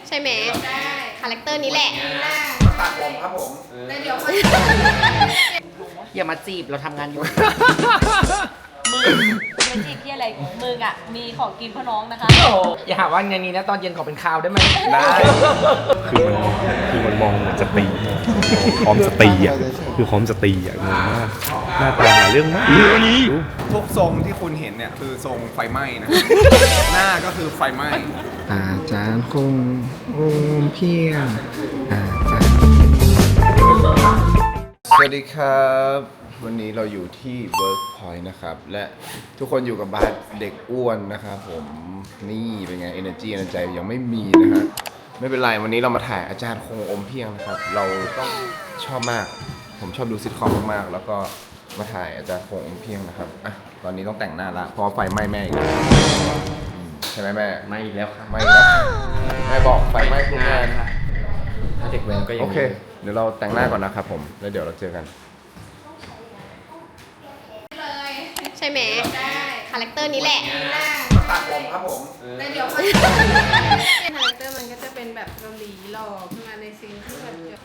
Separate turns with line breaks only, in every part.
ใช่ไหมคาแรคเตอร์นี้แหละ
ตัดผมครับผมแต่เดี๋ยว
อย่ามาจีบเราทำงานอยู่
มึงไม่จีบที่อะไรมึงอ่ะมีของกินพ่อน้องนะคะ
โอ้อย่าหาว่าอย่างนี้นะตอนเย็นขอเป็นข้าวได้ไหม
ได้
คือมันมองเหมือนจะตีพร้อมจะตีอ่ะคือพร้อมจะตีอ่ะงงมากหน้าตาหาเรื่องมากดู
ทุกทรงที่คุณเห็นเนี่ยคือทรงไฟไหม้นะ หน้าก็คือไฟไหม้อาจารย์คงเพียงอาจารย์สวัสดีครับวันนี้เราอยู่ที่ Workpoint นะครับและทุกคนอยู่กับบาสเด็กอ้วนนะครับผมนี่เป็นไง energy ในใจยังไม่มีนะฮะไม่เป็นไรวันนี้เรามาถ่ายอาจารย์คงอมเพียงนะครับเราต้องชอบมากผมชอบดูซิทคอมมากๆแล้วก็มาถ่ายอาจารย์คงอมเพียงนะครับอ่ะตอนนี้ต้องแต่งหน้าละเพราะไฟไหม้แม่อีกแล้วใช่ไหมแม่
ไม่อีกแล้วค่ะ
ไหม้แล้วแม่บอกไฟไหม้ทุกงาน
ถ้าเด็กเว้นก็ยัง
โอเคเดี๋ยวเราแต่งหน้าก่อนนะครับผมแล้วเดี๋ยวเราเจอกัน
ใช่ไหมคาแรคเตอร์นี้แหละ
ตัดผมครับผม
แต่เดี๋ยวคาแรคเตอร์มันก็จะเป็นแบบเกาหลีหล่อขึ้นมาในซีนที่แบบ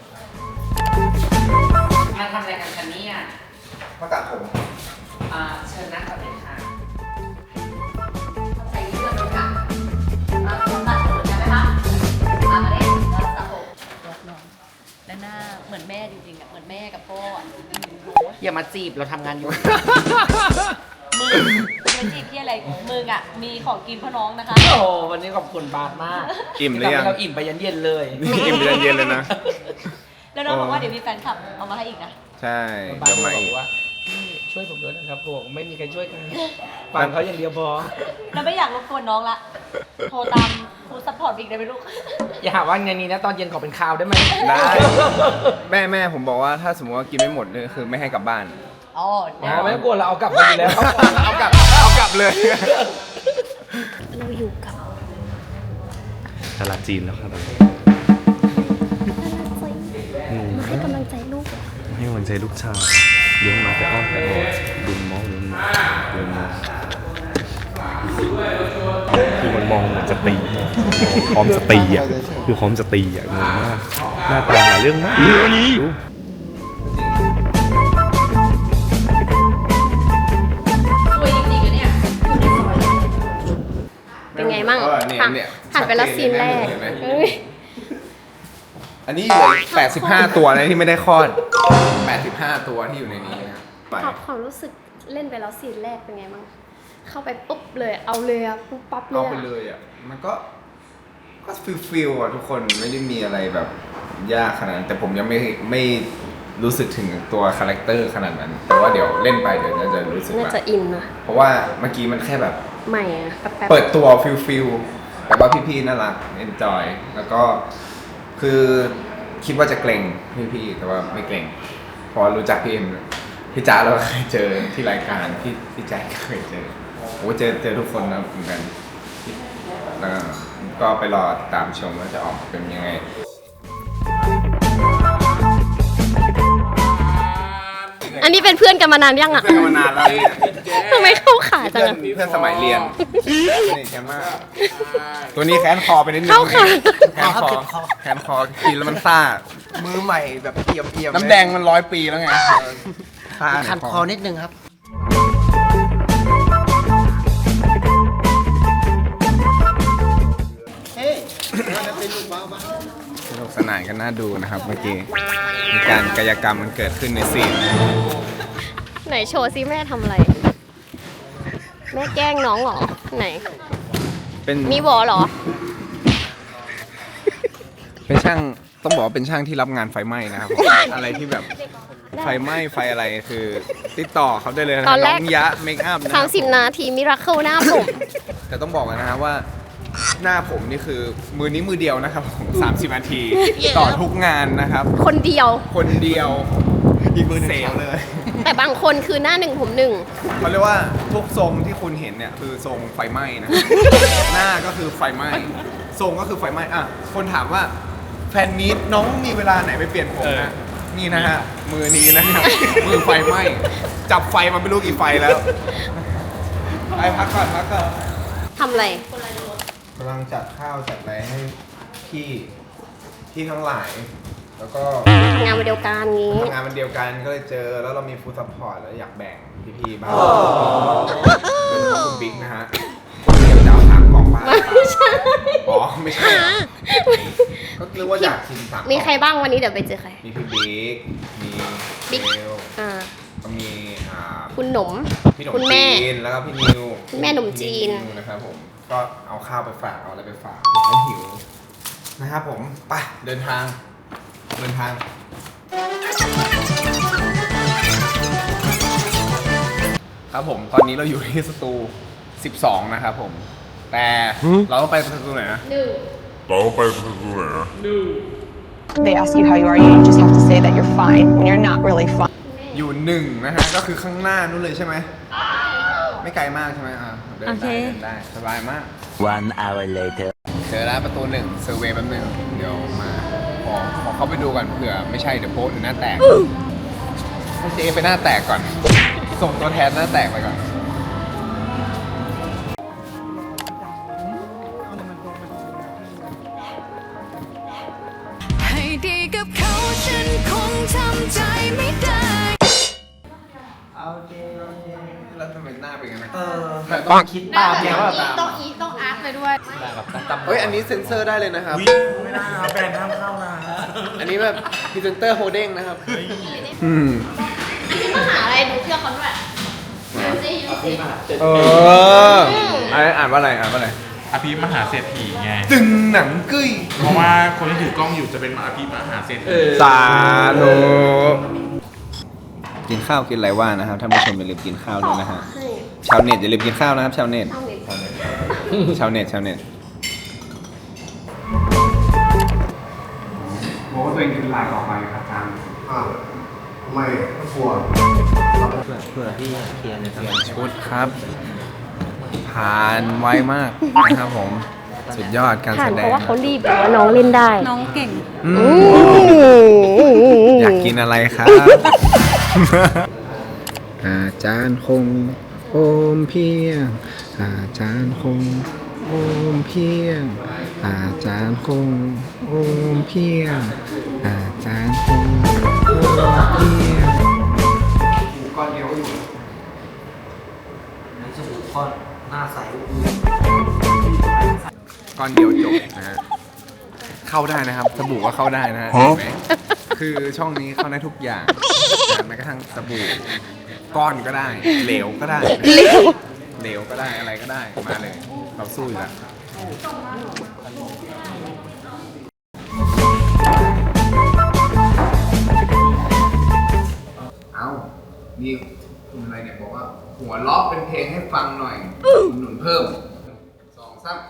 มาทำอะไรกันคะเนี่ย
มาตัดผม
เชิญนั่งก่อนเลยค่ะ
ใส่เสื้อเลยค่ะตัดผมใช่ไหมคะมาเลยแล้วตัดผมแล้วหน้าเหมือนแม่จริงๆอ่ะเหมือนแม่กับพ่ออ่ะ
อย่ามาจีบเราทำงานอยู่
มึงไม่จีบที่อะไรมึงอ่ะมีของกินพ่อน้องนะคะ
โอ้วันนี้ขอบคุณบาสมาก
อิ่มหรือยัง
ทำให้เราอิ่มไปยันเย็นเลย
อิ่มเย็นๆเลยนะ
แล้วน้องบอกว่าเดี๋ยวมีแฟนคลับเอามาให้อีกนะ
ใช่
บาส
เดี๋ยว
บ
มา
อ
อีก
กว่าพี่ช่วยผมด้วยนะครับผมไม่มีใครช่วยกันฟังเขาอย่างเดียวพอ
แล้วไม่อยากรบกวนน้องละโทรตามครูซัพพอร์ตอีกได้ไหมลูก
อย่าหาว่าอย่างนี้นะตอนเย็นขอเป็นข้าวได้ไหม
ได้แม่ผมบอกว่าถ้าสมมติว่ากินไม่หมดเนี่ยคือไม่ให้กลับบ้าน
อ๋อ
ไม่ต้องกลัวเราเอากลับมาอยู่แล้ว
เอากลับเลย
เราอยู่กับ
ตลาดจีนแล้วครับตอนนี้
มาให้กำลังใจลูก
ให้กำลังใจลูกชายเลี้ยงมาแต่อ้อมแต่ออกดุนมองดุนมองดุนมองคือมันมองเหมือนจะตีพร้อมจะตีอ่ะคือพร้อมจะตีอ่ะงงมากหน้าตาหาเรื่องมากดู
คุยจริงๆอะเนี่ย
เป็นไงมั่ง
เนี่ย
ผ่าน
เนี่ย
ผ่านไปแล้วซีนแรก
เห็นไหม
เอ้ย
อันนี้เหลือ85 ตัวนะที่ไม่ได้คลอด 85 ตัวที่อยู่ในนี้นะครับไป
ความรู้สึกเล่นไปแล้วซีนแรกเป็นไงมั่งเข้าไปปุ๊บเลยเอาเลยอะปุ๊บปั๊บเล
เอา
ย
ไป
อะ
เลยอ่ะมันก็ฟิลอ่ะทุกคนไม่ได้มีอะไรแบบยากขนาดนั้นแต่ผมยังไม่รู้สึกถึงตัวคาแรคเตอร์ขนาดนั้น แต่ว่าเดี๋ยวเล่นไปเดี๋ยวน่าจะรู้สึก
น่า
ว่า
จะอินนะ
เพราะว่าเมื่อกี้มันแค่แบบ
ใหม่อะแป๊บๆ
เปิดตัวฟิลแต่ว่าพี่ๆน่ารักเอนจอยแล้วก็คือคิดว่าจะเกรงพี่ๆแต่ว่าไม่เกรงเพราะรู้จักพี่เอ็มพี่จ๋าเราเคยเจอที่รายการพี่แจ็คเคยเจอโอ้เจอทุกคนนะเหมือนกันแล้วก็ไปรอติดตามชมว่าจะออกมาเป็นยังไง
อันนี้เป็นเพื่อนกันมานานยังอะ
เพื่อนกันมานานแล้วเนี่ย
ทำไมเข้าขาจังอะ
เพื่อนสมัยเรียนสนิทกันมากตัวนี้แขนคอไปนิดนึง
เข้าขา
แขนคอกินแล้วมันซ่า
มือใหม่แบบเอี่ยม
น้ำแดงมัน100 ปีแล้วไงซ่า
คันคอนิดนึงครับ
สนุกสนานกันน่าดูนะครับเมื่อกี้มีการกายกรรมมันเกิดขึ้นในซีน
ไหนโชว์ซิแม่ทำอะไร แม่แกล้งน้องเหรอ ไหน
เป็น
มีวอเหรอ
เป็นช่างต้องบอกว่าเป็นช่างที่รับงานไฟไหม้นะครับผมอะไรที่แบบไฟไหม้ไฟอะไรคือติดต่อเขาได้เลยนะ
ตอนแรก
น้องยะเมคอัพนะครับ
30 นาทีมิราเคิลหน้าผม
แต่ต้องบอกกันนะครับว่าหน้าผมนี่คือมือนี้มือเดียวนะครับผม30 นาที ต่อทุกงานนะครับ
คนเดียว
คนเดียวอีกมือเซลเลย
แต่บางคนคือหน้าหนึ่งผมหนึ่ง
เขาเรียกว่าทุกทรงที่คุณเห็นเนี่ยคือทรงไฟไหม้นะ หน้าก็คือไฟไหม้ทรงก็คือไฟไหม้อ่ะคนถามว่าแฟนมีตน้องมีเวลาไหนไปเปลี่ยนผมนะนี่นะฮะมือนี้นะครับ มือไฟไหม้จับไฟมาไม่รู้กี่ไฟแล้วไปพักก่อน
ทำอะไร
กำลังจัดข้าวจัดอะไรให้พี่ทั้งหลาย แล้วก็
ทำงานวันเดียวกันงี้
ทำงานวันเดียวกันก็เลยเจอแล้วเรามีฟู้ดซัพพอร์ตแล้วอยากแบ่งพี่ๆบ้างเป็นของคุณบิ๊กนะฮะเดี๋ยวจะเอา3 กล่องบ้าง
ไม่ใช่
อ๋อไม่ใช่ก็เรียกว่าอยากกิน3 กล่อง
มีใครบ้างวันนี้เดี๋ยวไปเจอใคร
มีพี่บิ๊กมี
บิ๊ก
เบล
อ่า
ก็มี
คุณหนม
พี่หนม
คุณแม่
จีนแล้วก็พี่นิว
คุณแม่หนมจีน
พี่วนะครับผมก็เอาข้าวไปฝากเอาอะไรไปฝากเขาหิวนะครับผมไปเดินทางครับผมตอนนี้เราอยู่ที่สตู12นะครับผมแต่เราต้องไปสตูไหนนะ
They ask you how you are, you just have to say that you're fine when you're not really fine.
อยู่1นะฮะก็คือข้างหน้านู้นเลยใช่ไหมไม่ไกลมากใช่ไหมเดินได้สบายมาก
1 hour later.
เจอแล้วประตู1เซอร์เวย์แป๊บนึงเดี๋ยวมาขอเข้าไปดูก่อนเผื่อไม่ใช่เดี๋ยวโพสต์หรือหน้าแตกให้เจ๊ไปหน้าแตกก่อน ส่งตัวแทนหน้าแตกไปก่อน
ให้ดีกับเขาฉันคงทำใจไม่ได้
แล้วทำไมหน้าเป็นงั้นนะ
ต้องคิดตามเนี่ยว่า
ต้องอาร์ตไปด้วย
เฮ้ยอันนี้เซ็นเซอร์ได้เลยนะครับ
ไม่ได้ครับแบรนด์ห้ามเข้านะ
อันนี้แบบพรีเซนเตอร์โฮเด้งนะครับ
ที่มหาอะไรดูเชื่อเขาด้วยยูสิ
อ่านว่าอะไร
อภิมหาเศรษฐีไง
ตึงหนังกึ้ย
เพราะว่าคนที่ถือกล้องอยู่จะเป็นอภิมหาเศรษฐี
สาธุกินข้าวกินอะไรว่านะครับท่านผู้ชมอย่าลืมกินข้าวด้วยนะฮะชาวเน็ตอย่าลืมกินข้าวนะครับชาวเน็ตบอกว่าตัวเองกินลายออกไปครับอาจารย์ไม่กลัวเผื่อพี่เคลียร์เลยครับชุดครับผ่านไวมากนะครับผมสุดยอดการ
ผ่า
แส
น
ด
เพ
ง
ราะว่าเขารีบหรือว่าน้องเล่นได้
น้องเก่ง
อยากกินอะไรครับ อาจารย์คงโอมเพียง อาจารย์คงโอมเพียง อาจารย์คงโอมเพียง อาจารย์คงโอมเพียงก้อนเดียวอยู่ในสบู่ก้อนหน้าใสก้อนเดียวจบนะฮะเข้าได้นะครับสบู่ก็เข้าได้นะฮะเห็นไหมคือช่องนี้เข้าได้ทุกอย่างแม้กระทั่งสบู่ก้อนก็ได้เหลวก็ได้เหลวก็ได้อะไรก็ได้มาเลยเราสู้อยู่แล้วเอานี่คุณอะไรเนี่ยบอกว่าหัวล้อเป็นเพลงให้ฟังหน่อยหนุนเพิ่ม2 3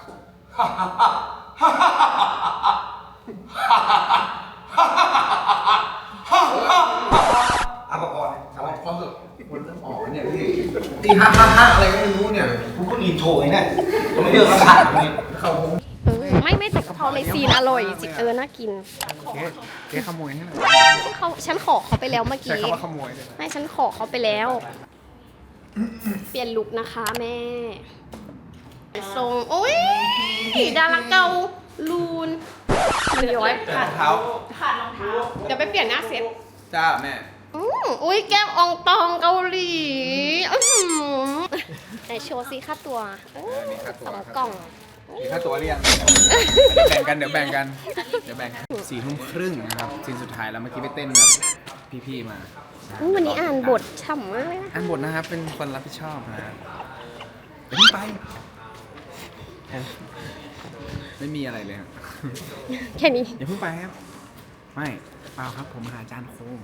เอาก่อนเอาพอสุดคนเริ่มออกเนี่ยพี่ตีฮ่าอะไรก็ไม่รู้เนี่ยกูก็อินโทรไอ้เนี่ยไม่เลือกราคาเลยเขาผม
ไม่แต่กะเพราในซีนอร่อยจริงน่ากิน
เจ๊ขโมยให้หน่อย
ฉันขอเขาไปแล้วเมื่อ
ใช้
กี้
คำว่าขโมยเลย
ไม่ฉันขอเขาไปแล้ว เปลี่ยนลุคนะคะแม่ทรงโอ้ยดาราเกาลูนมันย้อยขาดรองเท้าเดี๋ยวไปเปลี่ยนหน้าเซ็ต
จ้าแม่
อุ้ยแก้มอองตองเกาหลีไหนโชว์ซิค่าตัว2 กล่อง
มีค่าตัวเรียงเดี๋ยวแบ่งกัน4 ทุ่มครึ่งนะครับซีนสุดท้ายแล้วเมื่อกี้ไปเต้นแบบพี่ๆมา
วันนี้อ่านบทฉ่ำมากเลยนะ
อ่านบทนะครับเป็นคนรับผิดชอบนะเดี๋ยวไปไม่มีอะไรเลยครับ
แค่นี้
อย่าเพิ่งไปครับไม่เปล่าครับผมหาอาจารย์โคง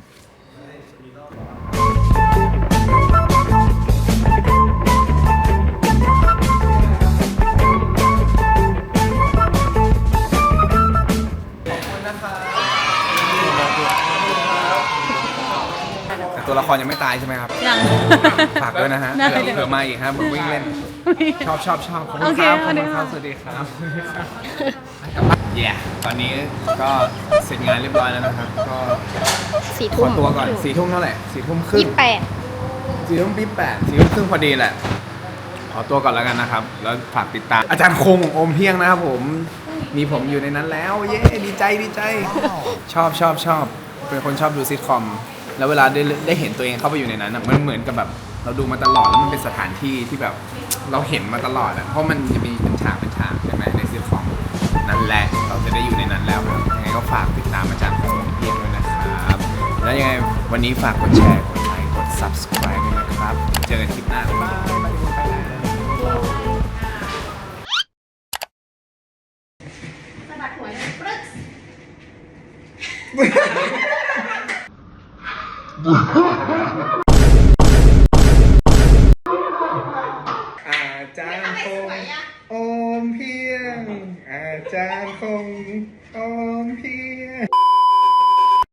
แต่ตัวละครยังไม่ตายใช่ไหมครับ
ยัง
ฝากด้วยนะฮะเผื่อมาอีกครับมึงวิ่งเล่น ชอบขอบคุณครับขอบคุณครับสวัสดีครับเย้ตอนนี้ก็เสร็จงานเรียบร้อยแล้วนะครับ ก็
4
ข
ทุ่
อ
ม
ตัวก่อน4 ทุ่มเท่าไหร่4 ทุ่มครึ่ง
28
4 ทุ่ม28 4 ทุ่มครึ่งพอดีแหละ ขอตัวก่อนแล้วกันนะครับ แล้วฝากติดตามอาจารย์คงอมเพียงนะครับผมมีผมอยู่ในนั้นแล้ว เย้ดีใจดีใจ ชอบเป็นคนชอบดูซิทคอมแล้วเวลาได้เห็นตัวเองเข้าไปอยู่ในนั้นอะมันเหมือนกับแบบเราดูมาตลอดแล้วมันเป็นสถานที่ที่แบบเราเห็นมาตลอดอะเพราะมันจะมีเป็นฉากใช่ไหมในซิทคอมนั่นแหละเราจะได้อยู่ในนั้นแล้วครับยังไงก็ฝากติดตามอาจารย์ของเพียงด้วยนะครับแล้วยังไงวันนี้ฝากกดแชร์กดไลค์กด subscribe ด้วยนะครับเจอกันคลิปหน้าบ๊ายบายไปแล้ว
สะบัดหัวเลยปรึ๊ก